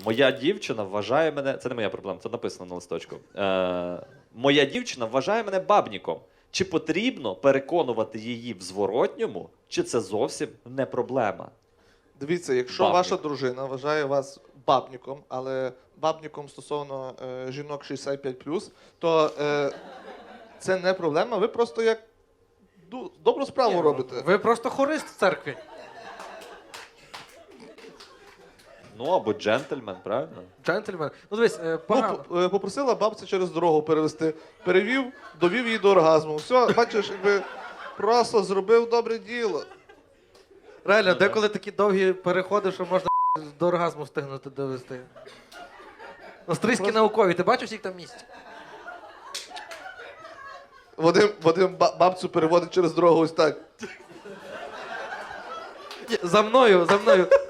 Моя дівчина вважає мене. Це не моя проблема, це написано на листочку. Моя дівчина вважає мене бабніком. Чи потрібно переконувати її в зворотньому, чи це зовсім не проблема? Дивіться, якщо Бабник. ваша дружина вважає вас бабніком, але бабніком стосовно жінок 65+, то це не проблема, ви просто як добру справу робите. Ви просто хорист в церкві. Ну, або джентльмен, правильно? Джентльмен. Ну дивись, погано. Попросила бабця через дорогу перевести. Перевів, довів її до оргазму. Все, бачиш, якби просто зробив добре діло. Реально, деколи такі довгі переходи, що можна до оргазму встигнути довести. Австрійські наукові, ти бачиш, їх там місць? Вадим бабцю переводить через дорогу ось так. За мною, за мною.